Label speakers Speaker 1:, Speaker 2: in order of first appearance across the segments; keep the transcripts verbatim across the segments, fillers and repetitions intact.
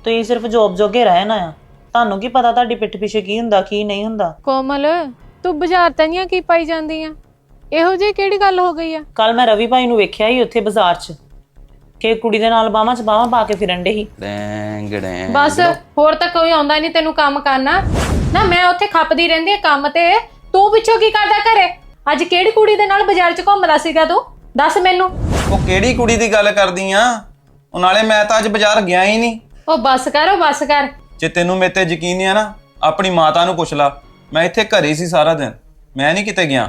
Speaker 1: ਤੁਸੀਂ ਸਿਰਫ ਜੋਬ ਜੋਗੇ ਰਹਿਣਾ ਆ। ਤੁਹਾਨੂੰ ਕੀ ਪਤਾ ਤੁਹਾਡੀ ਪਿੱਠ ਪਿੱਛੇ ਕੀ ਹੁੰਦਾ ਕੀ ਨਹੀਂ ਹੁੰਦਾ।
Speaker 2: ਕੋਮਲ ਤੂੰ ਬਾਜ਼ਾਰ ਤਈਆਂ ਕੀ ਪਾਈ ਜਾਂਦੀ ਆ? ਇਹੋ ਜਿਹੀ ਕਿਹੜੀ ਗੱਲ ਹੋ ਗਈ ਆ?
Speaker 1: ਕੱਲ ਮੈਂ ਰਵੀ ਭਾਈ ਨੂੰ ਵੇਖਿਆ ਹੀ ਉੱਥੇ ਬਾਜ਼ਾਰ 'ਚ ਕਿ ਕੁੜੀ ਦੇ ਨਾਲ ਬਾਹਾਂ 'ਚ ਬਾਹਾਂ ਪਾ ਕੇ ਫਿਰਨ ਡੇ ਸੀ।
Speaker 3: ਡੈਂਗ
Speaker 2: ਬਸ ਹੋਰ ਤਾਂ ਕੋਈ ਆਉਂਦਾ ਨਹੀਂ ਤੈਨੂੰ ਕੰਮ ਕਰਨਾ ਨਾ। ਮੈਂ ਉੱਥੇ ਖੱਪਦੀ ਰਹਿੰਦੀ ਆ ਕੰਮ ਤੇ, ਤੂੰ ਪਿੱਛੋਂ ਕੀ ਕਰਦਾ ਘਰੇ? ਅੱਜ ਕਿਹੜੀ ਕੁੜੀ ਦੇ ਨਾਲ ਬਾਜ਼ਾਰ 'ਚ ਘੁੰਮਦਾ ਸੀਗਾ ਤੂੰ? ਦੱਸ ਮੈਨੂੰ।
Speaker 3: ਉਹ ਕਿਹੜੀ ਕੁੜੀ ਦੀ ਗੱਲ ਕਰਦੀ ਆ? ਉਹ ਨਾਲੇ ਮੈਂ ਤਾਂ ਅੱਜ ਬਾਜ਼ਾਰ ਗਿਆ ਹੀ ਨਹੀਂ।
Speaker 2: ਉਹ ਬੱਸ ਕਰ, ਉਹ ਬੱਸ ਕਰ।
Speaker 3: ਜੇ ਤੈਨੂੰ ਮੇਰੇ ਤੇ ਯਕੀਨ ਨਹੀਂ ਆ ਨਾ, ਆਪਣੀ ਮਾਤਾ ਨੂੰ ਪੁੱਛ ਲਾ। ਮੈਂ ਇੱਥੇ ਘਰੇ ਸੀ ਸਾਰਾ ਦਿਨ, ਮੈਂ ਨਹੀਂ ਕਿਤੇ ਗਿਆ।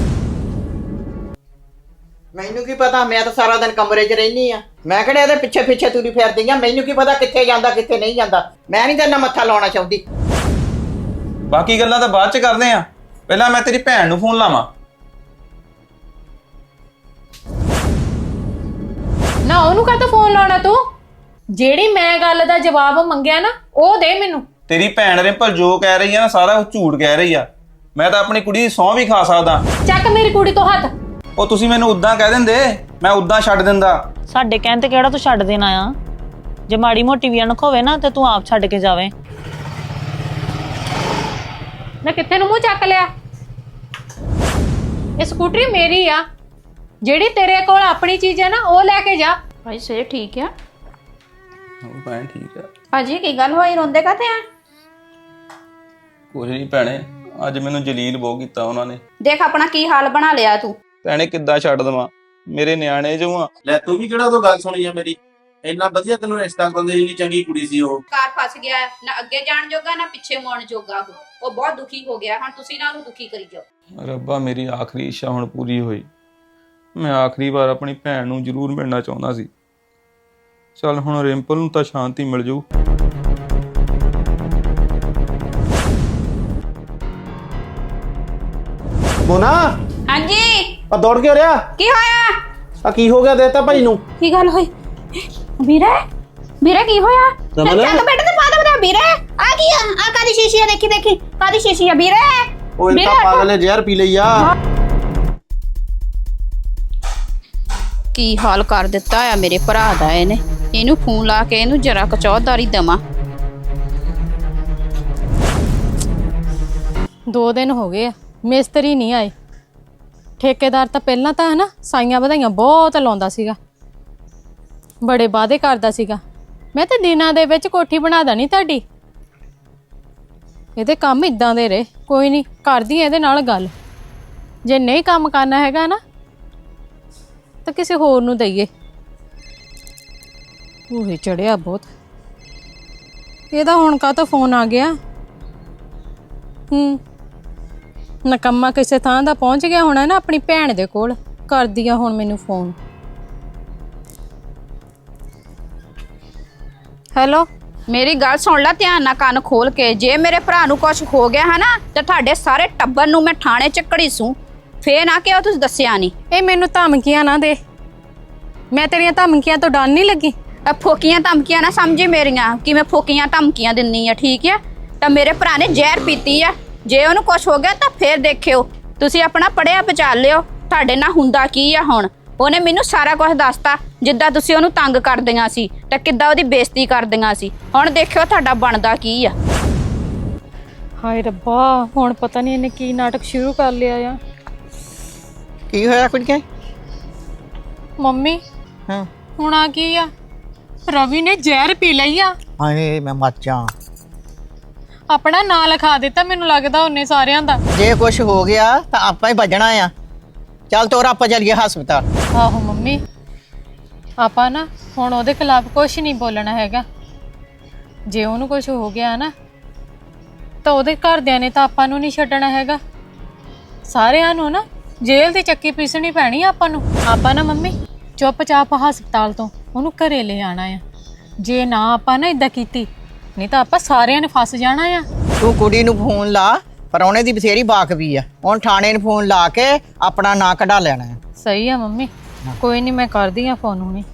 Speaker 4: ਮੈਨੂੰ ਕੀ ਪਤਾ, ਮੈਂ ਤਾਂ ਸਾਰਾ ਦਿਨ ਕਮਰੇ 'ਚ ਰਹਿਨੀ ਆ। ਮੈਂ ਕਿਹੜੇ ਇਹਦੇ ਪਿੱਛੇ ਪਿੱਛੇ ਤੁਰੀ ਫਿਰਦੀ ਆ? ਮੈਨੂੰ ਕੀ ਪਤਾ ਕਿੱਥੇ ਜਾਂਦਾ ਕਿੱਥੇ ਨਹੀਂ ਜਾਂਦਾ। ਮੈਂ ਨਹੀਂ ਤੇਰੇ ਨਾਲ ਮੱਥਾ ਲਾਉਣਾ ਚਾਹੁੰਦੀ।
Speaker 3: ਬਾਕੀ ਗੱਲਾਂ ਤਾਂ ਬਾਅਦ ਚ ਕਰਦੇ ਆ, ਪਹਿਲਾਂ ਮੈਂ ਤੇਰੀ ਭੈਣ ਨੂੰ ਫੋਨ ਲਾਵਾਂ।
Speaker 2: ਨਾ ਉਹਨੂੰ ਕਾਹਤੋਂ ਫੋਨ ਲਾਉਣਾ ਤੂੰ? ਜਿਹੜੀ ਮੈਂ ਗੱਲ ਦਾ ਜਵਾਬ ਮੰਗਿਆ ਨਾ ਉਹ ਦੇ ਮੈਨੂੰ।
Speaker 3: ਤੇਰੀ ਭੈਣ ਰਿੰਪਲ ਜੋ ਕਹਿ ਰਹੀ ਆ ਨਾ ਸਾਰਾ ਉਹ ਝੂਠ ਕਹਿ ਰਹੀ ਆ। ਮੈਂ ਤਾਂ ਆਪਣੀ ਕੁੜੀ ਦੀ ਸਹੁੰ ਵੀ ਖਾ ਸਕਦਾ।
Speaker 2: ਚੱਕ ਮੇਰੀ ਕੁੜੀ ਤੋਂ ਹੱਥ।
Speaker 3: ਉਹ ਤੁਸੀਂ ਮੈਨੂੰ ਉਦਾਂ ਕਹਿ ਦਿੰਦੇ, ਮੈਂ ਉਦਾਂ ਛੱਡ ਦਿੰਦਾ।
Speaker 1: ਸਾਡੇ ਕਹਿਣ ਤੇ ਕਿਹੜਾ ਤੂੰ ਛੱਡ ਦੇਣਾ ਆ? ਜੇ ਮਾੜੀ ਮੋਟੀ ਵੀ ਅਣਖ ਹੋਵੇ ਨਾ ਤੇ ਤੂੰ ਆਪ ਛੱਡ ਕੇ ਜਾਵੇਂ।
Speaker 2: ਨਾ ਕਿੱਥੇ ਨੂੰ ਮੂੰਹ ਚੱਕ ਲਿਆ? ਇਹ ਸਕੂਟਰੀ ਮੇਰੀ ਆ। ਜਿਹੜੀ ਤੇਰੇ ਕੋਲ ਆਪਣੀ ਚੀਜ਼ ਹੈ ਨਾ ਉਹ ਲੈ ਕੇ ਜਾ।
Speaker 5: ਭਾਈ ਸੇ ਠੀਕ ਆ?
Speaker 3: ਉਹ ਭੈਣ ਠੀਕ ਆ।
Speaker 5: ਭਾਜੀ ਕੀ ਗੱਲ ਹੋਈ, ਰੋਂਦੇ ਕਾਤੇ ਆ?
Speaker 3: ਕੁਝ ਨਹੀਂ ਭੈਣੇ, ਅੱਜ ਮੈਨੂੰ ਜਲੀਲ ਬਹੁਤ ਕੀਤਾ ਉਹਨਾਂ ਨੇ।
Speaker 5: ਦੇਖ ਆਪਣਾ ਕੀ ਹਾਲ ਬਣਾ ਲਿਆ ਤੂੰ।
Speaker 3: ਭੈਣੇ ਕਿੱਦਾਂ ਛੱਡ ਦਵਾਂ, ਮੇਰੇ ਨਿਆਣੇ ਜੋ ਆ।
Speaker 6: ਲੈ ਤੂੰ ਵੀ ਕਿਹੜਾ ਤੋਂ ਗੱਲ ਸੁਣੀ ਆ ਮੇਰੀ? ਇੰਨਾ ਵਧੀਆ ਤੈਨੂੰ ਰਿਸ਼ਤਾ ਕਰਾਉਂਦੇ, ਇੰਨੀ ਚੰਗੀ ਕੁੜੀ ਸੀ ਉਹ।
Speaker 5: ਕਾਰ ਫਸ ਗਿਆ, ਨਾ ਅੱਗੇ ਜਾਣ ਜੋਗਾ ਨਾ ਪਿੱਛੇ ਮੋੜਨ ਜੋਗਾ। ਉਹ ਉਹ ਬਹੁਤ ਦੁਖੀ ਹੋ ਗਿਆ। ਹੁਣ ਤੁਸੀਂ ਨਾ ਉਹਨੂੰ ਦੁਖੀ ਕਰੀ ਜਾਓ।
Speaker 3: ਰੱਬਾ ਮੇਰੀ ਆਖਰੀ ਇੱਛਾ ਹੁਣ ਪੂਰੀ ਹੋਈ। ਮੈਂ ਆਖਰੀ ਵਾਰ ਆਪਣੀ ਭੈਣ ਨੂੰ ਜ਼ਰੂਰ ਮਿਲਣਾ ਚਾਹੁੰਦਾ ਸੀ। ਚੱਲ ਹੁਣ ਰਿੰਪਲ ਨੂੰ ਤਾਂ ਸ਼ਾਂਤੀ ਮਿਲ ਜਾਊ।
Speaker 4: ਮੋਨਾ
Speaker 5: ਹਾਂਜੀ
Speaker 4: ਆ ਦੌੜ ਕੇ ਰਿਹਾ।
Speaker 5: ਕੀ ਹੋਇਆ?
Speaker 4: ਆ ਕੀ ਹੋ ਗਿਆ ਦੇਤਾ ਭਾਈ ਨੂੰ?
Speaker 5: ਕੀ ਗੱਲ ਹੋਈ ਵੀਰੇ? ਵੀਰੇ ਕੀ ਹੋਇਆ?
Speaker 4: ਰਮਨ?
Speaker 5: ਚੱਲ ਬੈਠ ਤੇ ਪਾ ਦੇ ਬਤਾ ਵੀਰੇ। ਆ ਕੀ ਆ? ਆ ਕਾਦੀ ਸ਼ੀਸ਼ੀ ਆ? ਦੇਖੀ ਦੇਖੀ ਕਾਦੀ ਸ਼ੀਸ਼ੀ ਆ ਵੀਰੇ?
Speaker 4: ਉਹ ਇਹ ਤਾਂ ਪਾਗਲ ਨੇ ਜ਼ਹਿਰ ਪੀ ਲਈ ਆ।
Speaker 5: ਕੀ ਹਾਲ ਕਰ ਦਿੱਤਾ ਆ ਮੇਰੇ ਭਰਾ ਦਾ ਇਹਨੇ। ਇਹਨੂੰ ਫੋਨ ਲਾ ਕੇ ਇਹਨੂੰ ਜਰਾ ਕਚੌਧਾਰੀ ਦਵਾਂ।
Speaker 2: ਦੋ ਦਿਨ ਹੋ ਗਏ ਆ ਮਿਸਤਰੀ ਨਹੀਂ ਆਏ। ਠੇਕੇਦਾਰ ਤਾਂ ਪਹਿਲਾਂ ਤਾਂ ਹੈ ਨਾ ਸਾਈਆਂ ਵਧਾਈਆਂ ਬਹੁਤ ਲਾਉਂਦਾ ਸੀਗਾ, ਬੜੇ ਵਾਅਦੇ ਕਰਦਾ ਸੀਗਾ। ਮੈਂ ਤਾਂ ਦਿਨਾਂ ਦੇ ਵਿੱਚ ਕੋਠੀ ਬਣਾ ਦੇਣੀ ਤੁਹਾਡੀ। ਇਹਦੇ ਕੰਮ ਇਦਾਂ ਦੇ ਰਹੇ। ਕੋਈ ਨਹੀਂ, ਕਰਦੀ ਇਹਦੇ ਨਾਲ ਗੱਲ। ਜੇ ਨਹੀਂ ਕੰਮ ਕਰਨਾ ਹੈਗਾ ਨਾ ਤਾਂ ਕਿਸੇ ਹੋਰ ਨੂੰ ਦਈਏ। ਉਹ ਚੜਿਆ ਬਹੁਤ। ਇਹਦਾ ਹੁਣ ਕਾਹਤੋਂ ਫੋਨ ਆ ਗਿਆ? ਹੂੰ, ਨਕੰਮਾ ਕਿਸੇ ਥਾਂ ਦਾ ਪਹੁੰਚ ਗਿਆ ਹੋਣਾ ਨਾ ਆਪਣੀ ਭੈਣ ਦੇ ਕੋਲ। ਕਰਦੀ ਆ ਹੁਣ ਮੈਨੂੰ ਫੋਨ। ਹੈਲੋ,
Speaker 5: ਮੇਰੀ ਗੱਲ ਸੁਣ ਲੈ ਧਿਆਨ ਨਾਲ, ਕੰਨ ਖੋਲ ਕੇ। ਜੇ ਮੇਰੇ ਭਰਾ ਨੂੰ ਕੁਝ ਹੋ ਗਿਆ ਹੈ ਨਾ ਤੇ ਤੁਹਾਡੇ ਸਾਰੇ ਟੱਬਰ ਨੂੰ ਮੈਂ ਥਾਣੇ ਚ ਘੜੀਸੂ। ਫੇਰ ਨਾ ਕਿਉਂ ਤੁਸੀਂ ਦੱਸਿਆ ਨਹੀਂ।
Speaker 2: ਇਹ ਮੈਨੂੰ ਧਮਕੀਆਂ ਨਾ ਦੇ। ਮੈਂ ਤੇਰੀਆਂ ਧਮਕੀਆਂ ਤੋਂ ਡਰ ਨਹੀਂ ਲੱਗੀ।
Speaker 5: ਇਹ ਫੋਕੀਆਂ ਧਮਕੀਆਂ ਨਾ ਸਮਝੀ ਮੇਰੀਆਂ, ਕਿ ਮੈਂ ਫੋਕੀਆਂ ਧਮਕੀਆਂ ਦਿੰਨੀ ਆ, ਠੀਕ ਆ? ਤਾਂ ਮੇਰੇ ਭਰਾ ਨੇ ਜ਼ਹਿਰ ਪੀਤੀ ਆ। ਜੇ ਉਹਨੂੰ ਕੁਝ ਹੋ ਗਿਆ ਤਾਂ ਫੇਰ ਦੇਖਿਓ। ਤੁਸੀਂ ਆਪਣਾ ਪੜਿਆ ਬਚਾ ਲਿਓ। ਤੁਹਾਡੇ ਨਾਲ ਹੁੰਦਾ ਕੀ ਆ ਹੁਣ? ਉਹਨੇ ਮੈਨੂੰ ਸਾਰਾ ਕੁਝ ਦੱਸਤਾ। ਜਿੱਦਾਂ ਤੁਸੀਂ ਉਹਨੂੰ ਤੰਗ ਕਰਦੀਆਂ ਸੀ ਤਾਂ ਕਿੱਦਾਂ ਉਹਦੀ ਬੇਇੱਜ਼ਤੀ ਕਰਦੀਆਂ ਸੀ। ਹੁਣ ਦੇਖਿਓ ਤੁਹਾਡਾ ਬਣਦਾ ਕੀ ਆ।
Speaker 2: ਹਾਏ ਰੱਬਾ, ਹੁਣ ਪਤਾ ਨਹੀਂ ਇਹਨੇ ਕੀ ਨਾਟਕ ਸ਼ੁਰੂ ਕਰ ਲਿਆ ਆ।
Speaker 4: ਕੀ ਹੋਇਆ ਕੁੜੀਏ?
Speaker 2: ਮੰਮੀ
Speaker 4: ਹਾਂ
Speaker 2: ਹੁਣ ਆ ਕੀ ਆ? ਰਵੀ ਨੇ ਜ਼ਹਿਰ ਪੀ ਲਈ ਆ।
Speaker 4: ਹਾਏ ਮੈਂ ਮਰ ਜਾ।
Speaker 2: ਆਪਣਾ ਨਾਂ ਲਿਖਾ ਦਿੱਤਾ ਮੈਨੂੰ ਲੱਗਦਾ ਉਹਨੇ ਸਾਰਿਆਂ ਦਾ।
Speaker 4: ਜੇ ਕੁਝ ਹੋ ਗਿਆ ਤਾਂ ਆਪਾਂ ਹੀ ਭੱਜਣਾ ਆ। ਚੱਲ ਤੋਰ ਆਪਾਂ ਚੱਲੀਏ ਹਸਪਤਾਲ।
Speaker 2: ਆਹੋ ਮੰਮੀ, ਆਪਾਂ ਨਾ ਹੁਣ ਉਹਦੇ ਖਿਲਾਫ ਕੁਝ ਨਹੀਂ ਬੋਲਣਾ ਹੈਗਾ। ਜੇ ਉਹਨੂੰ ਕੁਝ ਹੋ ਗਿਆ ਨਾ ਤਾਂ ਉਹਦੇ ਘਰਦਿਆਂ ਨੇ ਤਾਂ ਆਪਾਂ ਨੂੰ ਨਹੀਂ ਛੱਡਣਾ ਹੈਗਾ। ਸਾਰਿਆਂ ਨੂੰ ਨਾ ਜੇਲ੍ਹ ਦੀ ਚੱਕੀ ਪੀਸਣੀ ਪੈਣੀ ਆ ਆਪਾਂ ਨੂੰ। ਆਪਾਂ ਨਾ ਮੰਮੀ ਚੁੱਪਚਾਪ ਹਸਪਤਾਲ ਤੋਂ ਉਹਨੂੰ ਘਰੇ ਲੈ ਆਣਾ ਆ। ਜੇ ਨਾ ਆਪਾਂ ਨਾ ਇਦਾਂ ਕੀਤੀ ਨਹੀਂ ਤਾਂ ਆਪਾਂ ਸਾਰਿਆਂ ਨੇ ਫਸ ਜਾਣਾ ਆ।
Speaker 4: ਤੂੰ ਕੁੜੀ ਨੂੰ ਫੋਨ ਲਾ, ਪਰੌਣੇ ਦੀ ਬਥੇਰੀ ਬਾਕ ਵੀ ਆ। ਹੁਣ ਥਾਣੇ ਨੂੰ ਫੋਨ ਲਾ ਕੇ ਆਪਣਾ ਨਾਂ ਕਢਾ ਲੈਣਾ ਹੈ।
Speaker 2: ਸਹੀ ਆ ਮੰਮੀ, ਕੋਈ ਨਹੀਂ ਮੈਂ ਕਰਦੀ ਆ ਫੋਨ ਹੁਣੇ।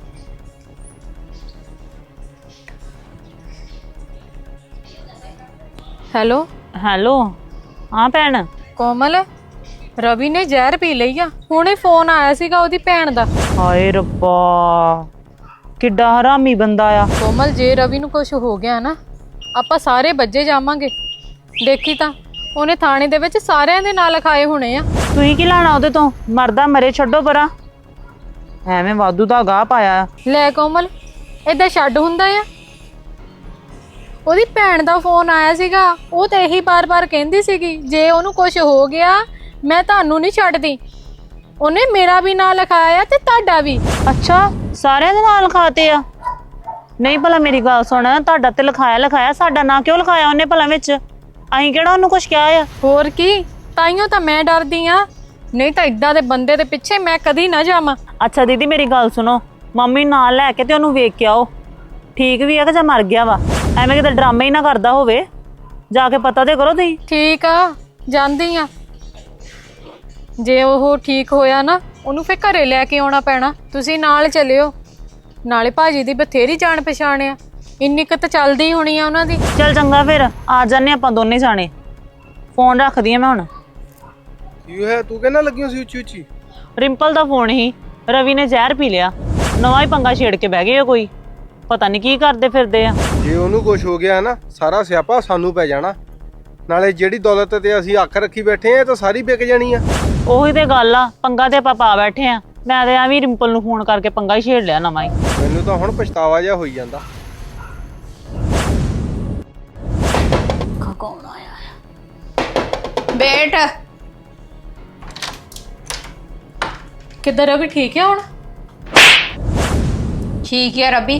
Speaker 2: ਹੈਲੋ
Speaker 1: ਹੈਲੋ, ਹਾਂ ਭੈਣ।
Speaker 2: ਕੋਮਲ, ਰਵੀ ਨੇ ਜ਼ਹਿਰ ਪੀ ਲਈ ਆ। ਹੁਣੇ ਫੋਨ ਆਇਆ ਸੀਗਾ ਉਹਦੀ ਭੈਣ ਦਾ।
Speaker 1: ਹਾਏ ਰੱਬਾ, ਕਿੱਡਾ ਹਰਾਮੀ ਬੰਦਾ ਆ।
Speaker 2: ਕੋਮਲ ਜੇ ਰਵੀ ਨੂੰ ਕੁਝ ਹੋ ਗਿਆ ਨਾ ਆਪਾਂ ਸਾਰੇ ਬੱਜੇ ਜਾਵਾਂਗੇ। ਦੇਖੀ ਤਾਂ ਉਹਨੇ ਥਾਣੇ ਦੇ ਵਿੱਚ ਸਾਰਿਆਂ ਦੇ ਨਾਂ ਲਿਖਾਏ ਹੋਣੇ ਆ।
Speaker 1: ਤੁਸੀਂ ਕੀ ਲੈਣਾ ਉਹਦੇ ਤੋਂ? ਮਰਦਾ ਮਰੇ, ਛੱਡੋ ਪਰਾਂ। ਐਵੇਂ ਵਾਧੂ ਦਾ ਗਾਹ ਪਾਇਆ।
Speaker 2: ਲੈ ਕੋਮਲ ਏਦਾਂ ਛੱਡ ਹੁੰਦਾ ਆ। ਉਹਦੀ ਭੈਣ ਦਾ ਫੋਨ ਆਇਆ ਸੀਗਾ, ਉਹ ਤਾਂ ਇਹੀ ਬਾਰ-ਬਾਰ ਕਹਿੰਦੀ ਸੀਗੀ ਜੇ ਉਹਨੂੰ ਕੁਝ ਹੋ ਗਿਆ ਮੈਂ ਤੁਹਾਨੂੰ ਨਹੀਂ ਛੱਡਦੀ। ਉਹਨੇ ਮੇਰਾ ਵੀ ਨਾਂ ਲਿਖਾਇਆ ਤੇ ਤੁਹਾਡਾ ਵੀ।
Speaker 1: ਅੱਛਾ, ਸਾਰਿਆਂ ਦੇ ਨਾਲ ਲਿਖਾਤੇ ਆ? ਨਹੀਂ ਭਲਾ ਮੇਰੀ ਗੱਲ ਸੁਣ, ਤੁਹਾਡਾ ਤੇ ਲਿਖਾਇਆ ਲਿਖਾਇਆ, ਸਾਡਾ ਨਾਂ ਕਿਉਂ ਲਿਖਾਇਆ ਉਹਨੇ ਭਲਾ ਵਿੱਚ? ਅਸੀਂ ਕਿਹੜਾ ਉਹਨੂੰ ਕੁਝ ਕਿਹਾ ਆ?
Speaker 2: ਹੋਰ ਕੀ, ਤਾਈਓ ਤਾਂ ਮੈਂ ਡਰਦੀ ਆ, ਨਹੀਂ ਤਾਂ ਇਦਾਂ ਦੇ ਬੰਦੇ ਦੇ ਪਿੱਛੇ ਮੈਂ ਕਦੀ ਨਾ ਜਾਵਾਂ।
Speaker 1: ਅੱਛਾ ਦੀਦੀ ਮੇਰੀ ਗੱਲ ਸੁਣੋ, ਮੰਮੀ ਨਾਲ ਲੈ ਕੇ ਤੇ ਉਹਨੂੰ ਵੇਖ ਕੇ ਆਓ, ਠੀਕ ਵੀ ਆ ਕਿ ਜਾਂ ਮਰ ਗਿਆ ਵਾ। ਐਵੇਂ ਕਿਤੇ ਡਰਾਮੇ ਹੀ ਨਾ ਕਰਦਾ ਹੋਵੇ, ਜਾ ਕੇ ਪਤਾ ਤੇ ਕਰੋ ਤੁਸੀਂ।
Speaker 2: ਠੀਕ ਆ, ਜਾਂਦੀ ਆ। ਜੇ ਉਹ ਠੀਕ ਹੋਇਆ ਨਾ ਉਹਨੂੰ ਫੇਰ ਘਰੇ ਲੈ ਕੇ ਆਉਣਾ ਪੈਣਾ। ਤੁਸੀਂ ਨਾਲ ਚੱਲਿਓ, ਨਾਲੇ ਭਾਜੀ ਦੀ ਬਥੇਰੀ ਜਾਣ ਪਛਾਣ ਆ, ਇੰਨੀ ਕੁ ਤਾਂ ਚੱਲਦੀ ਹੋਣੀ ਆ ਉਹਨਾਂ ਦੀ।
Speaker 1: ਚੱਲ ਚੰਗਾ ਫਿਰ ਆ ਜਾਂਦੇ ਆਪਾਂ ਦੋਨੇ ਜਾਣੇ। ਫੋਨ ਰੱਖਦੀ ਆ ਮੈਂ ਹੁਣ।
Speaker 7: ਕੀ ਹੋਇਆ? ਤੂੰ ਕਹਿਣਾ ਲੱਗੀ ਸੀ ਉੱਚੀ ਉੱਚੀ?
Speaker 1: ਰਿੰਪਲ ਦਾ ਫੋਨ ਹੀ, ਰਵੀ ਨੇ ਜ਼ਹਿਰ ਪੀ ਲਿਆ, ਨਵਾਂ ਹੀ ਪੰਗਾ ਛੇੜ ਕੇ ਬਹਿ ਗਏ ਆ, ਕੋਈ ਪਤਾ ਨਹੀਂ ਕੀ ਕਰਦੇ ਫਿਰਦੇ ਆ।
Speaker 7: ਜੇ ਉਹਨੂੰ ਕੁਝ ਹੋ ਗਿਆ ਨਾ ਸਾਰਾ ਸਿਆਪਾ ਸਾਨੂੰ ਪੈ ਜਾਣਾ। ਨਾਲੇ ਜਿਹੜੀ ਦੌਲਤ ਤੇ ਅਸੀਂ ਅੱਖ ਰੱਖੀ ਬੈਠੇ ਆ ਤਾਂ ਸਾਰੀ ਵਿਕ ਜਾਣੀ ਆ।
Speaker 1: ਉਹੀ ਤੇ ਗੱਲ ਆ, ਪੰਗਾ ਤੇ ਆਪਾਂ ਪਾ ਬੈਠੇ ਆ। ਮੈਂ ਤੇ ਐਵੇਂ ਰਿੰਪਲ ਨੂੰ ਫੋਨ ਕਰਕੇ ਪੰਗਾ ਹੀ ਛੇੜ ਲਿਆ ਨਵਾਂ ਹੀ।
Speaker 7: ਮੈਨੂੰ ਤਾਂ ਹੁਣ ਪਛਤਾਵਾ ਜਿਹਾ ਹੋਈ ਜਾਂਦਾ।
Speaker 5: ਕੌਣ ਆਇਆ ਹੈ? ਬੈਠ।
Speaker 2: ਕਿੱਧਰ ਰਵੀ? ਠੀਕ ਹੈ ਹੁਣ?
Speaker 5: ਠੀਕ ਹੈ ਰੱਬੀ।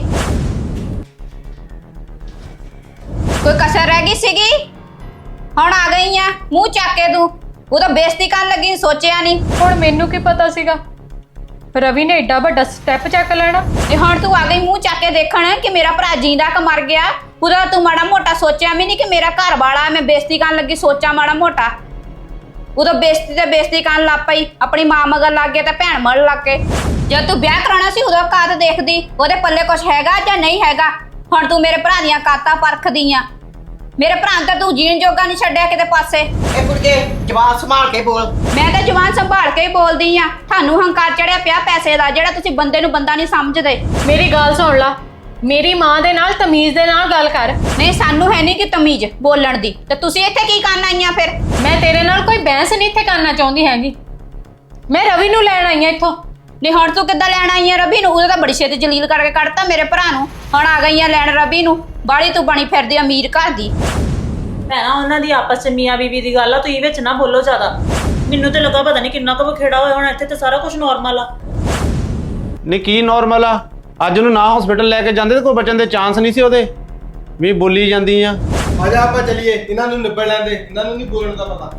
Speaker 5: ਕੋਈ ਕਸਰ ਰਹਿ ਗਈ ਸੀਗੀ? ਹੁਣ ਆ ਗਈ ਆ, ਮੂੰਹ ਚੱਕ ਕੇ ਤੂੰ। ਉਹ ਤਾਂ ਬੇਇੱਜ਼ਤੀ ਕਰਨ ਲੱਗੀ, ਸੋਚਿਆ ਨਹੀਂ।
Speaker 2: ਹੁਣ ਮੈਨੂੰ ਕੀ ਪਤਾ ਸੀਗਾ ਰਵੀ ਨੇ ਏਡਾ ਵੱਡਾ ਸਟੈਪ ਚੱਕ ਲੈਣਾ।
Speaker 5: ਤੇ ਹੁਣ ਤੂੰ ਆ ਗਈ ਮੂੰਹ ਚੱਕ ਕੇ ਦੇਖਣ ਕਿ ਮੇਰਾ ਭਰਾ ਜਿੰਦਾ ਕਿ ਮਰ ਗਿਆ। ਉਹਦਾ ਤੂੰ ਮਾੜਾ ਮੋਟਾ ਸੋਚਿਆ ਵੀ ਨਹੀਂ ਕਿ ਮੇਰਾ ਘਰ ਵਾਲਾ, ਮੈਂ ਬੇਇੱਜ਼ਤੀ ਕਰਨ ਲੱਗੀ ਸੋਚਾਂ ਮਾੜਾ ਮੋਟਾ। ਉਦੋਂ ਬੇਇੱਜ਼ਤੀ ਤੇ ਬੇਇੱਜ਼ਤੀ ਕਰਨ ਲੱਗ ਪਈ, ਆਪਣੀ ਮਾਂ ਮਗਰ ਲੱਗ ਗਿਆ ਤੇ ਭੈਣ ਮਗਰ ਲੱਗ ਕੇ। ਜਦ ਤੂੰ ਵਿਆਹ ਕਰਾਉਣਾ ਸੀ ਉਦੋਂ ਕਾਤ ਦੇਖਦੀ ਉਹਦੇ ਪੱਲੇ ਕੁਝ ਹੈਗਾ ਜਾਂ ਨਹੀਂ ਹੈਗਾ। ਹੁਣ ਤੂੰ ਮੇਰੇ ਭਰਾ ਦੀਆਂ ਕਾਤਾਂ ਪਰਖਦੀ ਆ। ਮੇਰੇ ਭਰਾ ਨੂੰ ਤਾਂ ਤੂੰ ਜੀਣ ਜੋਗਾ ਨਹੀਂ ਛੱਡਿਆ ਕਿਤੇ ਪਾਸੇ।
Speaker 4: ਇਹ ਕੁੜੀਏ ਜਵਾਨ ਸੰਭਾਲ ਕੇ ਬੋਲ।
Speaker 5: ਮੈਂ ਤਾਂ ਜਵਾਨ ਸੰਭਾਲ ਕੇ ਹੀ ਬੋਲਦੀ ਆ। ਤੁਹਾਨੂੰ ਹੰਕਾਰ ਚੜਿਆ ਪਿਆ ਪੈਸੇ ਦਾ, ਜਿਹੜਾ ਤੁਸੀਂ ਬੰਦੇ ਨੂੰ ਬੰਦਾ ਨਹੀਂ ਸਮਝਦੇ।
Speaker 2: ਮੇਰੀ ਗੱਲ ਸੁਣ ਲਾ, ਮੇਰੀ ਮਾਂ ਦੇ ਨਾਲ ਤਮੀਜ਼ ਦੇ ਨਾਲ ਗੱਲ ਕਰ।
Speaker 5: ਨਹੀਂ ਸਾਨੂੰ ਹੈ ਨਹੀਂ ਕਿ ਤਮੀਜ਼ ਬੋਲਣ ਦੀ, ਤੇ ਤੁਸੀਂ ਇੱਥੇ ਕੀ ਕਰਨ ਆਈਆਂ ਫਿਰ?
Speaker 2: ਮੈਂ ਤੇਰੇ ਨਾਲ ਕੋਈ ਬਹਿਸ ਨਹੀਂ ਇੱਥੇ ਕਰਨਾ ਚਾਹੁੰਦੀ ਹੈਗੀ। ਮੈਂ ਰਵੀ ਨੂੰ ਲੈਣ ਆਈ ਆ ਇੱਥੋਂ।
Speaker 5: ਨਹੀਂ ਹੁਣ ਤੂੰ ਕਿੱਦਾਂ ਲੈਣ ਆਈ ਆ ਰਵੀ ਨੂੰ? ਉਹਦਾ ਤਾਂ ਬੜੀ ਛੇਤੀ ਜਲੀਲ ਕਰਕੇ ਕੱਢਤਾ ਮੇਰੇ ਭਰਾ ਨੂੰ। ਹੁਣ ਆ ਗਈ ਆ ਲੈਣ ਰਵੀ ਨੂੰ। ਬਾੜੀ ਤੂੰ ਬਣੀ ਫਿਰਦੀ ਅਮੀਰ ਘਰ ਦੀ।
Speaker 1: ਭੈਣਾ ਉਹਨਾਂ ਦੀ ਆਪਸ ਚ ਮੀਆਂ ਬੀਵੀ ਦੀ ਗੱਲ ਆ, ਤੁਸੀਂ ਵਿੱਚ ਨਾ ਬੋਲੋ ਜ਼ਿਆਦਾ। ਮੈਨੂੰ ਤੇ ਲੱਗਾ ਪਤਾ ਨਹੀਂ ਕਿੰਨਾ ਕੁ ਬਖੇੜਾ ਹੋਇਆ ਹੁਣ। ਇੱਥੇ ਤੇ ਸਾਰਾ ਕੁਝ ਨਾਰਮਲ ਆ।
Speaker 6: ਨਹੀਂ ਕੀ ਨਾਰਮਲ ਆ? ਅੱਜ ਉਹਨੂੰ ਨਾ ਹਸਪੀਟਲ ਲੈ ਕੇ ਜਾਂਦੇ ਤੇ ਕੋਈ ਬਚਣ ਦੇ ਚਾਂਸ ਨਹੀਂ ਸੀ ਉਹਦੇ। ਵੀ ਬੋਲੀ ਜਾਂਦੀ ਆ।
Speaker 7: ਆ ਜਾ ਆਪਾਂ ਚੱਲੀਏ, ਇਹਨਾਂ ਨੂੰ ਨਿਬੜ ਲੈਂਦੇ, ਇਹਨਾਂ ਨੂੰ ਨਹੀਂ ਬੋਲਣ ਦਾ ਪਤਾ।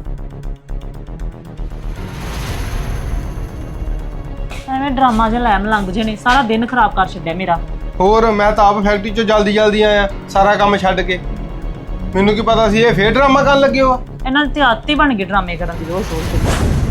Speaker 1: ਐਵੇਂ ਡਰਾਮਾ ਜਿਹਾ ਲੈ ਮਲੰਗ ਜੇ ਨੇ, ਸਾਰਾ ਦਿਨ ਖਰਾਬ ਕਰ ਛੱਡਿਆ ਮੇਰਾ।
Speaker 7: ਹੋਰ ਮੈਂ ਤਾਂ ਆਪ ਫੈਕਟਰੀ ਚੋਂ ਜਲਦੀ ਜਲਦੀ ਆਇਆ ਸਾਰਾ ਕੰਮ ਛੱਡ ਕੇ। ਮੈਨੂੰ ਕੀ ਪਤਾ ਸੀ ਇਹ ਫੇਰ ਡਰਾਮਾ ਕਰਨ ਲੱਗੇ ਹੋ।
Speaker 1: ਇਹਨਾਂ ਦੀ ਤੇ ਆਦਤ ਹੀ ਬਣ ਗਈ ਡਰਾਮੇ ਕਰਨ ਦੀ ਰੋਜ਼ ਰੋਜ਼।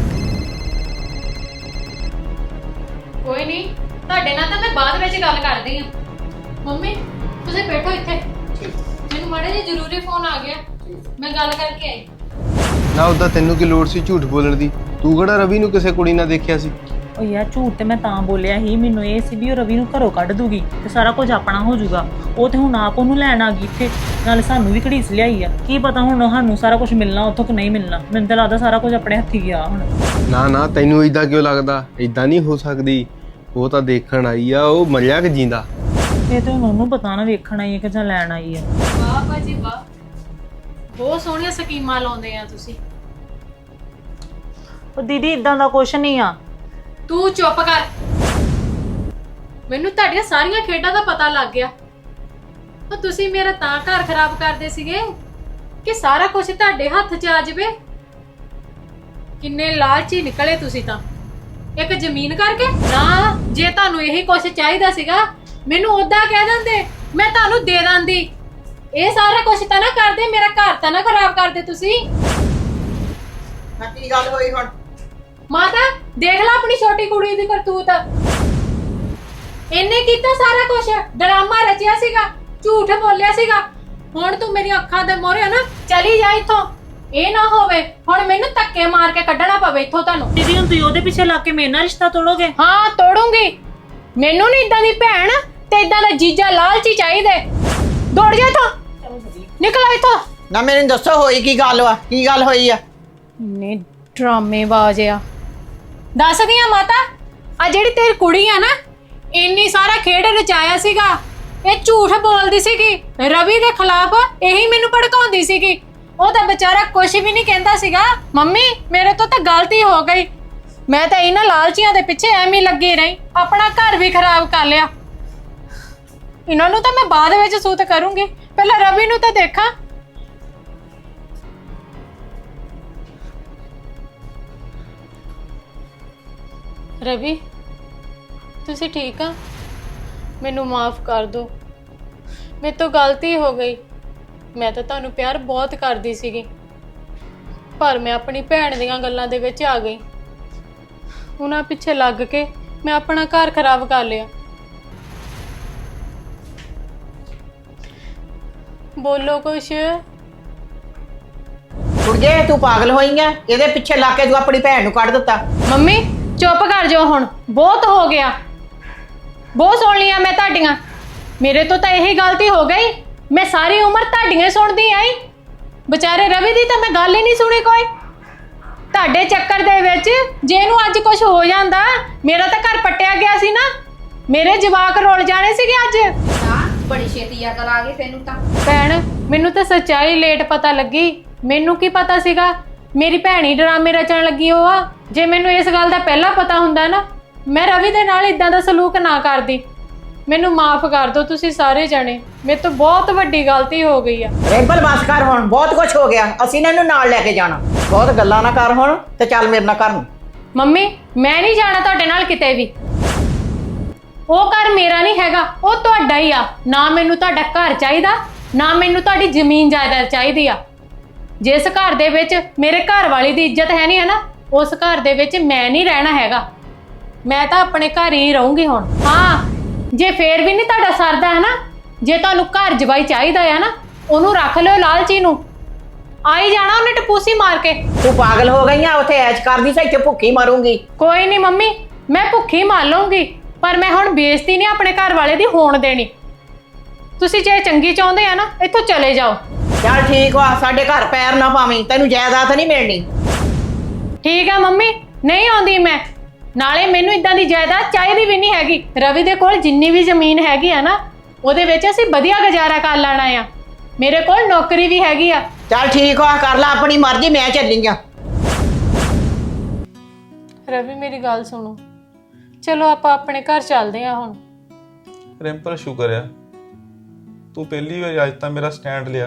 Speaker 2: ਕੋਈ ਨਹੀਂ, ਤੁਹਾਡੇ ਨਾਲ ਤਾਂ ਮੈਂ ਬਾਅਦ ਵਿੱਚ ਗੱਲ ਕਰਦੀ ਆ। ਮੰਮੀ ਤੁਸੀਂ ਬੈਠੋ ਇੱਥੇ, ਮੈਨੂੰ ਮਾੜਾ ਜਿਹਾ ਜ਼ਰੂਰੀ ਫੋਨ ਆ ਗਿਆ, ਮੈਂ ਗੱਲ ਕਰਕੇ ਆਈ।
Speaker 7: ਨਾ ਉਹਦਾ ਤੈਨੂੰ ਕੀ ਲੋੜ ਸੀ ਝੂਠ ਬੋਲਣ ਦੀ? ਤੂੰ ਕਿਹੜਾ ਰਵੀ ਨੂੰ ਕਿਸੇ ਕੁੜੀ ਨਾਲ ਦੇਖਿਆ ਸੀ?
Speaker 1: ਉਹ ਯਾਰ ਝੂਠ ਤੇ ਮੈਂ ਤਾਂ ਬੋਲਿਆ ਹੀ, ਮੈਨੂੰ ਇਹ ਸੀ ਵੀ ਉਹ ਰਵੀ ਨੂੰ ਘਰੋਂ ਕੱਢ ਦੂਗੀ ਤੇ ਸਾਰਾ ਕੁਝ ਆਪਣਾ ਹੋ ਜਾਊਗਾ। ਉਹ ਤੇ ਹੁਣ ਆਪ ਉਹਨੂੰ ਲੈਣ ਆ ਗਈ ਇੱਥੇ, ਨਾਲੇ ਸਾਨੂੰ ਵੀ ਘੜੀਸ ਲਿਆਈ ਆ। ਕੀ ਪਤਾ ਹੁਣ ਸਾਨੂੰ ਸਾਰਾ ਕੁਝ ਮਿਲਣਾ ਉੱਥੋਂ ਕਿ ਨਹੀਂ ਮਿਲਣਾ। ਮੈਨੂੰ ਤਾਂ ਲੱਗਦਾ ਸਾਰਾ ਕੁਝ ਆਪਣੇ ਹੱਥੀ ਗਿਆ ਹੁਣ।
Speaker 7: ਨਾ ਨਾ ਤੈਨੂੰ ਇਦਾਂ ਕਿਉਂ ਲੱਗਦਾ? ਇਦਾਂ ਨਹੀਂ ਹੋ ਸਕਦੀ। ਉਹ ਤਾਂ ਦੇਖਣ ਆਈ ਆ, ਉਹ ਮਰਿਆ ਕਿ ਜਿੰਦਾ?
Speaker 1: ਇਹ ਤੇ ਹੁਣ ਉਹਨੂੰ ਪਤਾ ਨਾ ਵੇਖਣ ਆਈ ਹੈ ਕਿ ਜਾਂ ਲੈਣ ਆਈ ਹੈ।
Speaker 2: ਵਾਹ ਭਾਜੀ ਵਾਹ, ਬਹੁਤ ਸੋਹਣੀਆਂ ਸਕੀਮਾਂ ਲਾਉਂਦੇ ਆ ਤੁਸੀਂ।
Speaker 1: ਉਹ ਦੀਦੀ ਇਦਾਂ ਦਾ ਕੁਝ ਨਹੀਂ ਆ।
Speaker 2: ਤੂੰ ਚੁੱਪ ਕਰ, ਮੈਨੂੰ ਤੁਹਾਡੀਆਂ ਸਾਰੀਆਂ ਖੇਡਾਂ ਦਾ ਪਤਾ ਲੱਗ ਗਿਆ। ਉਹ ਤੁਸੀਂ ਮੇਰਾ ਤਾਂ ਘਰ ਖਰਾਬ ਕਰਦੇ ਸੀਗੇ ਕਿ ਸਾਰਾ ਕੁਝ ਤੁਹਾਡੇ ਹੱਥ 'ਚ ਆ ਜਾਵੇ। ਕਿੰਨੇ ਲਾਲਚੀ ਨਿਕਲੇ ਤੁਸੀਂ ਤਾਂ, ਇੱਕ ਜ਼ਮੀਨ ਕਰਕੇ। ਨਾ ਜੇ ਤੁਹਾਨੂੰ ਇਹੀ ਕੁਝ ਚਾਹੀਦਾ ਸੀਗਾ ਮੈਨੂੰ ਉਦਾਂ ਕਹਿ ਦਿੰਦੇ, ਮੈਂ ਤੁਹਾਨੂੰ ਦੇ ਦਿੰਦੀ। ਇਹ ਸਾਰਾ ਕੁਝ ਤਾਂ ਨਾ ਕਰਦੇ, ਮੇਰਾ ਘਰ ਤਾਂ ਨਾ ਖਰਾਬ ਕਰਦੇ ਤੁਸੀਂ।
Speaker 4: ਹਾਂ ਕੀ ਗੱਲ ਹੋਈ ਹੁਣ?
Speaker 2: ਮਾਤਾ ਦੇਖ ਲੈ ਆਪਣੀ ਛੋਟੀ ਕੁੜੀ ਦੀ ਕਰਤੂਤ। ਇਹਨੇ ਕੀਤਾ ਸਾਰਾ ਕੁਝ, ਡਰਾਮਾ ਰਚਿਆ ਸੀਗਾ, ਝੂਠ ਬੋਲਿਆ ਸੀਗਾ। ਹੁਣ ਤੂੰ ਮੇਰੀ ਅੱਖਾਂ ਦੇ ਮੋਹਰੇ ਨਾ ਚਲੀ ਜਾ ਇੱਥੋਂ। ਇਹ ਨਾ ਹੋਵੇ ਹੁਣ ਮੈਨੂੰ ਧੱਕੇ ਮਾਰ ਕੇ ਕੱਢਣਾ ਪਵੇ ਇੱਥੋਂ ਤੁਹਾਨੂੰ।
Speaker 1: ਦੀਦੀ ਹੁਣ ਤੁਸੀਂ ਉਹਦੇ ਪਿੱਛੇ ਲੱਗ ਕੇ ਮੇਰੇ ਨਾਲ ਰਿਸ਼ਤਾ ਤੋੜੋਗੇ?
Speaker 2: ਹਾਂ ਤੋੜੂੰਗੀ। ਮੈਨੂੰ ਨਹੀਂ ਇਦਾਂ ਦੀ ਭੈਣ ਤੇ ਇਦਾਂ ਦਾ ਜੀਜਾ ਲਾਲਚੀ ਚਾਹੀਦੇ। ਦੌੜ ਜਾ ਇੱਥੋਂ, ਨਿਕਲ ਇੱਥੋਂ।
Speaker 4: ਨਾ ਮੈਨੂੰ ਦੱਸੋ ਹੋਈ ਕੀ ਗੱਲ ਵਾ, ਕੀ ਗੱਲ ਹੋਈ ਆ?
Speaker 2: ਨੇ ਡਰਾਮੇ ਬਾਜ਼ ਆ। ਦੱਸਦੀ ਆ ਮਾਤਾ, ਆ ਜਿਹੜੀ ਤੇਰੀ ਕੁੜੀ ਆ ਨਾ, ਇੰਨੀ ਸਾਰਾ ਖੇਡ ਰਚਾਇਆ ਸੀਗਾ, ਇਹ ਝੂਠ ਬੋਲਦੀ ਸੀਗੀ ਰਵੀ ਦੇ ਖਿਲਾਫ, ਇਹੀ ਮੈਨੂੰ ਭੜਕਾਉਂਦੀ ਸੀਗੀ। ਉਹ ਤਾਂ ਵਿਚਾਰਾ ਕੁਝ ਵੀ ਨਹੀਂ ਕਹਿੰਦਾ ਸੀਗਾ। ਮੰਮੀ ਮੇਰੇ ਤੋਂ ਤਾਂ ਗਲਤੀ ਹੋ ਗਈ, ਮੈਂ ਤਾਂ ਇਹਨਾਂ ਲਾਲਚੀਆਂ ਦੇ ਪਿੱਛੇ ਐਵੇਂ ਹੀ ਲੱਗੀ ਰਹੀ, ਆਪਣਾ ਘਰ ਵੀ ਖਰਾਬ ਕਰ ਲਿਆ। ਇਹਨਾਂ ਨੂੰ ਤਾਂ ਮੈਂ ਬਾਅਦ ਵਿੱਚ ਸੂਤ ਕਰੂੰਗੀ, ਪਹਿਲਾਂ ਰਵੀ ਨੂੰ ਤਾਂ ਦੇਖਾਂ। ਰਵੀ ਤੁਸੀਂ ਠੀਕ ਆ? ਮੈਨੂੰ ਮਾਫ ਕਰ ਦਿਓ, ਮੇਰੇ ਤੋਂ ਗਲਤੀ ਹੋ ਗਈ। ਮੈਂ ਤਾਂ ਤੁਹਾਨੂੰ ਪਿਆਰ ਬਹੁਤ ਕਰਦੀ ਸੀਗੀ, ਪਰ ਮੈਂ ਆਪਣੀ ਭੈਣ ਦੀਆਂ ਗੱਲਾਂ ਦੇ ਵਿੱਚ ਆ ਗਈ। ਉਹਨਾਂ ਪਿੱਛੇ ਲੱਗ ਕੇ ਮੈਂ ਆਪਣਾ ਘਰ ਖਰਾਬ ਕਰ ਲਿਆ। ਬੋਲੋ ਕੁਛ।
Speaker 4: ਕੁੜੀਏ ਤੂੰ ਪਾਗਲ ਹੋਈ ਆ? ਇਹਦੇ ਪਿੱਛੇ ਲੱਗ ਕੇ ਤੂੰ ਆਪਣੀ ਭੈਣ ਨੂੰ ਕੱਢ ਦਿੱਤਾ।
Speaker 2: ਮੰਮੀ ਚੁੱਪ ਕਰ ਜਾਓ ਹੁਣ, ਬਹੁਤ ਹੋ ਗਿਆ, ਬਹੁਤ ਸੁਣ ਲਿਆ ਮੈਂ ਤੁਹਾਡੀਆਂ। ਮੇਰੇ ਤੋਂ ਤਾਂ ਇਹੀ ਗਲਤੀ ਹੋ ਗਈ, ਮੈਂ ਸਾਰੀ ਉਮਰ ਤੁਹਾਡੀਆਂ ਸੁਣਦੀ ਆਈ, ਵਿਚਾਰੇ ਰਵੀ ਦੀ ਤਾਂ ਮੈਂ ਗੱਲ ਹੀ ਨਹੀਂ ਸੁਣੀ ਕੋਈ। ਤੁਹਾਡੇ ਚੱਕਰ ਦੇ ਵਿੱਚ ਜੇ ਇਹਨੂੰ ਅੱਜ ਕੁਝ ਹੋ ਜਾਂਦਾ, ਮੇਰਾ ਤਾਂ ਘਰ ਪੱਟਿਆ ਗਿਆ ਸੀ ਨਾ, ਮੇਰੇ ਜਵਾਕ ਰੋਲ ਜਾਣੇ ਸੀਗੇ ਅੱਜ।
Speaker 5: ਹਾਂ ਬੜੀ ਛੇਤੀ ਅਕਲ ਆ ਗਈ ਤੈਨੂੰ ਤਾਂ।
Speaker 2: ਭੈਣ ਮੈਨੂੰ ਤਾਂ ਸੱਚਾਈ ਲੇਟ ਪਤਾ ਲੱਗੀ, ਮੈਨੂੰ ਕੀ ਪਤਾ ਸੀਗਾ ਮੇਰੀ ਭੈਣ ਹੀ ਡਰਾਮੇ ਰਚਣ ਲੱਗੀ ਉਹ ਆ। ਜੇ ਮੈਨੂੰ ਇਸ ਗੱਲ ਦਾ ਪਹਿਲਾਂ ਪਤਾ ਹੁੰਦਾ ਨਾ, ਮੈਂ ਰਵੀ ਦੇ ਨਾਲ ਇਦਾਂ ਦਾ ਸਲੂਕ ਨਾ ਕਰਦੀ। ਮੈਨੂੰ ਮਾਫ ਕਰ ਦਿਓ ਤੁਸੀਂ ਸਾਰੇ ਜਣੇ, ਮੇਰੇ ਤੋਂ ਬਹੁਤ ਵੱਡੀ ਗਲਤੀ ਹੋ ਗਈ ਆ।
Speaker 4: ਰਿੰਪਲ ਬਸ ਕਰ, ਹੁਣ ਬਹੁਤ ਕੁਝ ਹੋ ਗਿਆ, ਅਸੀਂ ਇਹਨਾਂ ਨੂੰ ਨਾਲ ਲੈ ਕੇ ਜਾਣਾ। ਬਹੁਤ ਗੱਲਾਂ ਨਾ ਕਰ ਹੁਣ, ਤੇ ਚੱਲ ਮੇਰੇ ਨਾਲ ਘਰ ਨੂੰ।
Speaker 2: ਮੰਮੀ ਮੈਂ ਨਹੀਂ ਜਾਣਾ ਤੁਹਾਡੇ ਨਾਲ ਕਿਤੇ ਵੀ, ਉਹ ਘਰ ਮੇਰਾ ਨਹੀਂ ਹੈਗਾ, ਉਹ ਤੁਹਾਡਾ ਹੀ ਆ। ਨਾ ਮੈਨੂੰ ਤੁਹਾਡਾ ਘਰ ਚਾਹੀਦਾ, ਨਾ ਮੈਨੂੰ ਤੁਹਾਡੀ ਜ਼ਮੀਨ ਜਾਇਦਾਦ ਚਾਹੀਦੀ ਆ। ਜਿਸ ਘਰ ਦੇ ਵਿੱਚ ਮੇਰੇ ਘਰ ਵਾਲੀ ਦੀ ਇੱਜ਼ਤ ਹੈ ਨਹੀਂ ਹੈ ਨਾ, ਉਸ ਘਰ ਦੇ ਵਿੱਚ ਮੈਂ ਨਹੀਂ ਰਹਿਣਾ ਹੈਗਾ। ਮੈਂ ਤਾਂ ਆਪਣੇ ਘਰ ਹੀ ਰਹੂੰਗੀ ਹੁਣ। ਹਾਂ ਜੇ ਫੇਰ ਵੀ ਨਹੀਂ ਤੁਹਾਡਾ ਸਰਦਾ ਹੈ ਨਾ, ਜੇ ਤੁਹਾਨੂੰ ਘਰ ਜਵਾਈ ਚਾਹੀਦਾ ਆ ਨਾ, ਉਹਨੂੰ ਰੱਖ ਲਿਓ ਲਾਲਚੀ ਨੂੰ, ਆਈ ਜਾਣਾ ਉਹਨੇ ਟਪੂਸੀ ਮਾਰ ਕੇ।
Speaker 4: ਤੂੰ ਪਾਗਲ ਹੋ ਗਈ ਆ? ਉੱਥੇ ਐਸ਼ ਕਰਦੀ ਸੀ, ਇੱਥੇ ਭੁੱਖੀ ਮਰੂੰਗੀ।
Speaker 2: ਕੋਈ ਨਹੀਂ ਮੰਮੀ, ਮੈਂ ਭੁੱਖੀ ਮਾਰ ਲਊਂਗੀ, ਪਰ ਮੈਂ ਹੁਣ ਬੇਇੱਜ਼ਤੀ ਨਹੀਂ ਆਪਣੇ ਘਰ ਵਾਲੇ ਦੀ ਹੋਣ ਦੇਣੀ। ਤੁਸੀਂ ਜੇ ਚੰਗੀ ਚਾਹੁੰਦੇ ਆ ਨਾ, ਇੱਥੋਂ ਚਲੇ ਜਾਓ।
Speaker 4: ਚੱਲ ਠੀਕ ਵਾ, ਸਾਡੇ ਘਰ ਪੈਰ ਨਾ ਪਾਵੀਂ, ਤੈਨੂੰ ਜਾਇਦਾਦ ਨਹੀਂ ਮਿਲਣੀ।
Speaker 2: ਠੀਕ ਆ ਮੰਮੀ, ਨਹੀਂ ਆਉਂਦੀ ਮੈਂ। ਨਾਲੇ ਮੈਨੂੰ ਇਦਾਂ ਦੀ ਜਾਇਦਾਦ ਚਾਹੀਦੀ ਵੀ ਨਹੀਂ ਹੈਗੀ। ਰਵੀ ਦੇ ਕੋਲ ਜਿੰਨੀ ਵੀ ਜ਼ਮੀਨ ਹੈਗੀ ਆ ਨਾ, ਉਹਦੇ ਵਿੱਚ ਅਸੀਂ ਵਧੀਆ ਗੁਜ਼ਾਰਾ ਕਰ ਲੈਣਾ ਆ। ਮੇਰੇ ਕੋਲ ਨੌਕਰੀ ਵੀ ਹੈਗੀ ਆ।
Speaker 4: ਚੱਲ ਠੀਕ ਵਾ, ਕਰ ਲੈ ਆਪਣੀ ਮਰਜ਼ੀ, ਮੈਂ ਚੱਲੀ ਆ।
Speaker 2: ਰਵੀ ਮੇਰੀ ਗੱਲ ਸੁਣੋ, ਚਲੋ ਆਪਾਂ ਆਪਣੇ ਘਰ ਚੱਲਦੇ ਆ ਹੁਣ।
Speaker 3: ਰਿੰਪਲ ਸ਼ੁਕਰ ਆ ਤੂੰ ਪਹਿਲੀ ਵਾਰ ਅੱਜ ਤਾਂ ਮੇਰਾ ਸਟੈਂਡ ਲਿਆ।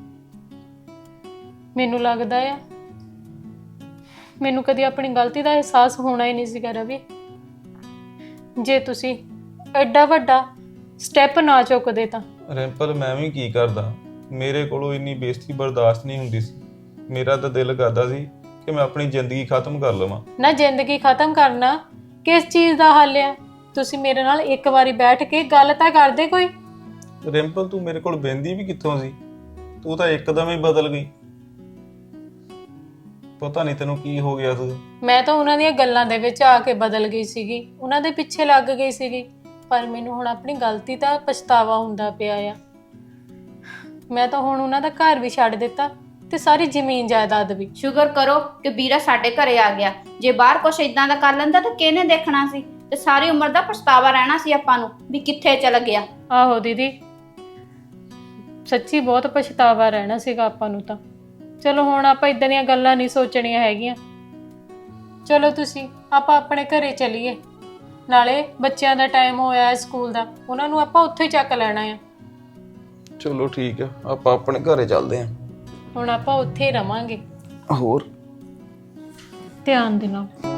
Speaker 2: ਮੈਨੂੰ ਲੱਗਦਾ ਆ ਮੈਨੂੰ ਕਦੀ ਆਪਣੀ ਗਲਤੀ ਦਾ ਅਹਿਸਾਸ ਹੋਣਾ ਹੀ ਨਹੀਂ ਸੀਗਾ ਰਵੀ, ਜੇ ਤੁਸੀਂ ਐਡਾ ਵੱਡਾ ਸਟੈਪ ਨਾ ਚੁੱਕਦੇ ਤਾਂ।
Speaker 3: ਰਿੰਪਲ ਮੈਂ ਵੀ ਕੀ ਕਰਦਾ, ਮੇਰੇ ਕੋਲੋਂ ਇੰਨੀ ਬੇਇੱਜ਼ਤੀ ਬਰਦਾਸ਼ਤ ਨਹੀਂ ਹੁੰਦੀ ਸੀ। ਮੇਰਾ ਤਾਂ ਦਿਲ ਕਰਦਾ ਸੀ ਕਿ ਮੈਂ ਆਪਣੀ ਜ਼ਿੰਦਗੀ ਖਤਮ ਕਰ ਲਵਾਂ।
Speaker 2: ਨਾ ਜ਼ਿੰਦਗੀ ਖਤਮ ਕਰਨਾ ਕਿਸ ਚੀਜ਼ ਦਾ ਹੱਲ ਆ? ਤੁਸੀਂ ਮੇਰੇ ਨਾਲ ਇੱਕ ਵਾਰੀ ਬੈਠ ਕੇ ਗੱਲ ਤਾਂ ਕਰਦੇ ਕੋਈ।
Speaker 3: ਰਿੰਪਲ ਤੂੰ ਮੇਰੇ ਕੋਲ ਬਹਿੰਦੀ ਵੀ ਕਿੱਥੋਂ ਸੀ? ਤੂੰ ਤਾਂ ਇੱਕਦਮ ਹੀ ਬਦਲ ਗਈ, ਪਤਾ ਨਹੀਂ ਤੈਨੂੰ ਕੀ ਹੋ ਗਿਆ ਸੀ।
Speaker 2: ਮੈਂ ਤਾਂ ਉਹਨਾਂ ਦੀਆਂ ਗੱਲਾਂ ਦੇ ਵਿੱਚ ਆ ਕੇ ਬਦਲ ਗਈ ਸੀਗੀ, ਉਹਨਾਂ ਦੇ ਪਿੱਛੇ ਲੱਗ ਗਈ ਸੀਗੀ, ਪਰ ਮੈਨੂੰ ਹੁਣ ਆਪਣੀ ਗਲਤੀ ਦਾ ਪਛਤਾਵਾ ਹੁੰਦਾ ਪਿਆ ਆ। ਮੈਂ ਤਾਂ ਹੁਣ ਉਹਨਾਂ ਦਾ ਘਰ ਵੀ ਛੱਡ ਦਿੱਤਾ ਤੇ ਸਾਰੀ ਜ਼ਮੀਨ ਜਾਇਦਾਦ ਵੀ।
Speaker 5: ਸ਼ੁਕਰ ਕਰੋ ਕਿ ਵੀਰਾ ਸਾਡੇ ਘਰੇ ਆ ਗਿਆ, ਜੇ ਬਾਹਰ ਕੁਛ ਇਦਾਂ ਦਾ ਕਰ ਲੈਂਦਾ ਤਾਂ ਕਿਹਨੇ ਦੇਖਣਾ ਸੀ, ਤੇ ਸਾਰੀ ਉਮਰ ਦਾ ਪਛਤਾਵਾ ਰਹਿਣਾ ਸੀ ਆਪਾਂ ਨੂੰ ਵੀ ਕਿੱਥੇ ਚਲ ਗਿਆ।
Speaker 2: ਆਹੋ ਦੀਦੀ, ਸੱਚੀ ਬਹੁਤ ਪਛਤਾਵਾ ਰਹਿਣਾ ਸੀਗਾ ਆਪਾਂ ਨੂੰ ਤਾਂ। ਚਲੋ ਹੁਣ ਆਪਾਂ ਇਦਾਂ ਦੀਆਂ ਗੱਲਾਂ ਨਹੀਂ ਸੋਚਣੀਆਂ ਹੈਗੀਆਂ। ਚਲੋ ਤੁਸੀਂ ਆਪਾਂ ਆਪਣੇ ਘਰੇ ਚੱਲੀਏ, ਨਾਲੇ ਬੱਚਿਆਂ ਦਾ ਟਾਈਮ ਹੋਇਆ ਹੈ ਸਕੂਲ ਦਾ, ਉਹਨਾਂ ਨੂੰ ਆਪਾਂ ਉੱਥੇ ਹੀ ਚੱਕ ਲੈਣਾ ਆ।
Speaker 3: ਚਲੋ ਠੀਕ ਆ, ਆਪਾਂ ਆਪਣੇ ਘਰੇ ਚੱਲਦੇ ਆਂ।
Speaker 2: ਹੁਣ ਆਪਾਂ ਉੱਥੇ ਹੀ ਰਵਾਂਗੇ।
Speaker 3: ਹੋਰ
Speaker 2: ਧਿਆਨ ਦੇ ਨਾਲ।